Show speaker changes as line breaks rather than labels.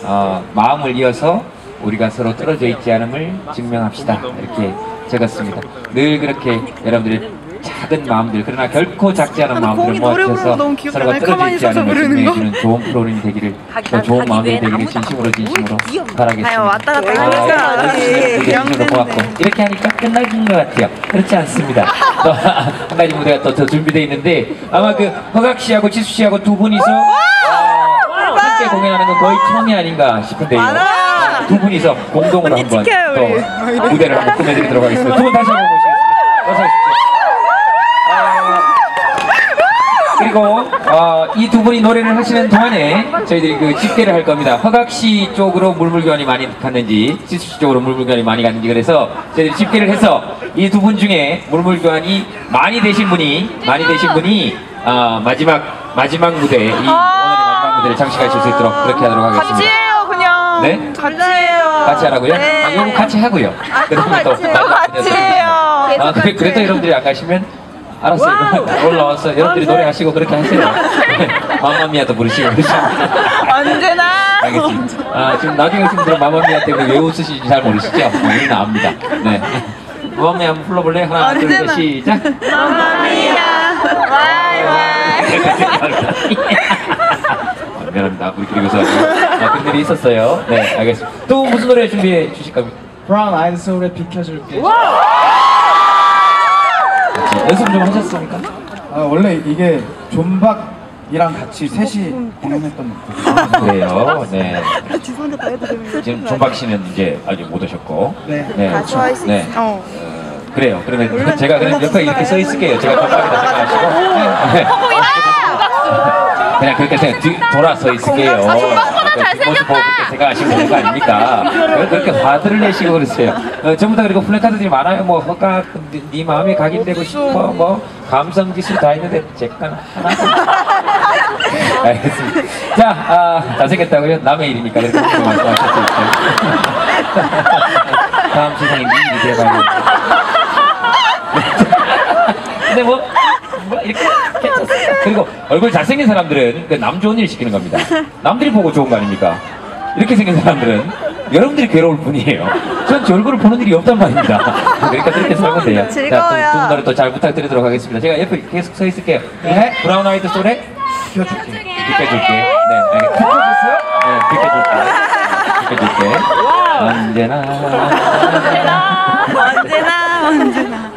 마음을 이어서 우리가 서로 떨어져 있지 않음을 증명합시다. 이렇게 적었습니다. 늘 그렇게 여러분들의 작은 마음들, 그러나 결코 작지 않은 마음들을 모아주셔서 서로가 떨어져 있지 않음을 증명해주는 좋은 프로그램이 되기를, 더 좋은 마음이 되기를 진심으로 바라겠습니다.
왔다 갔다 하니까
진심으로 고맙고, 이렇게 하니까 끝나는 것 같아요. 그렇지 않습니다. 또 한 가지 무대가 또 더 준비되어 있는데, 아마 그 허각 씨하고 지수 씨하고 두 분이서 함께 공연하는 건 거의 처음이 아닌가 싶은데요. 두 분이서 공동으로 한번 또 무대를 한번 꾸며드리도록 하겠습니다. 두 분 다시 한번 모시겠습니다. 어서 오십시오. 그리고 이 두 분이 노래를 하시는 동안에 저희들이 그 집계를 할 겁니다. 허각 씨 쪽으로 물물교환이 많이 갔는지, 지수 씨 쪽으로 물물교환이 많이 갔는지, 그래서 저희들이 집계를 해서 이 두 분 중에 물물교환이 많이 되신 분이 마지막 무대, 이 오늘의 마지막 무대를 장식하실 수 있도록 그렇게 하도록 하겠습니다.
같이 해요, 그냥.
네?
같이 해요.
같이 하라고요?
네.
요거 같이 하고요. 그러면 또
같이 해요.
그래도 여러분들이 안 가시면 알았어요. 올라와서 여러분들이 노래하시고 그렇게 하세요. 마마미아도 부르시고 그러시고.
언제나.
알겠습니다. 지금 나중에 오신 분들은 마마미아 때문에 왜 웃으시는지 잘 모르시죠? 우리는 압니다. 네. 마마미아 한번 불러볼래? 하나, 둘, 셋, 시작.
마마미아. 와이와이.
미안합니다. 우리끼리 웃어가지고. 그런 일이 있었어요. 네, 알겠습니다. 또 무슨 노래 준비해 주실 겁니까?
브라운 아이드 소울의 비켜줄게.
연습 좀 하셨습니까?
원래 이게 존박이랑 같이 셋이 공연했던 곡이에요.
그래요. 네. 지금 존박 씨는 이제 아직 못 오셨고.
네.
네.
그렇죠.
네. 그래요. 그러면 제가 그냥 옆에 이렇게 서 있을게요. 제가 존박이다 생각하시고. 네. 그냥 그렇게 돌아 서 있을게요.
존박보다 잘생겼다.
그렇게 생각하시고 오는 거 아닙니까? 그렇게 화들을 내시고 그러세요. 전부 다 그리고 플래카드들이 많아요. 뭐 허각, 네 마음에 각인되고 싶어, 뭐 감성지수 다 있는데 제 건 하나. 알겠습니다. 자, 잘생겼다고요? 남의 일이니까 그렇게 말씀하실 수 있어요. 다음 세상에 네 일이 돼봐요. 근데 뭐 이렇게 괜찮습니다. 그리고 얼굴 잘생긴 사람들은 그 남 좋은 일 시키는 겁니다. 남들이 보고 좋은 거 아닙니까? 이렇게 생긴 사람들은 여러분들이 괴로울 뿐이에요. 전 제 얼굴을 보는 일이 없단 말입니다. 그러니까 그렇게 살면 돼요.
즐거워요.
두 분 노래 또 잘 부탁드리도록 하겠습니다. 제가 옆에 계속 서 있을게요. 네. 브라운 아이드 소울의 비켜줄게. 비켜줄게. 네. 비켜줬어요? 네. 비켜줄게. 비켜줄게. 언제나.
언제나.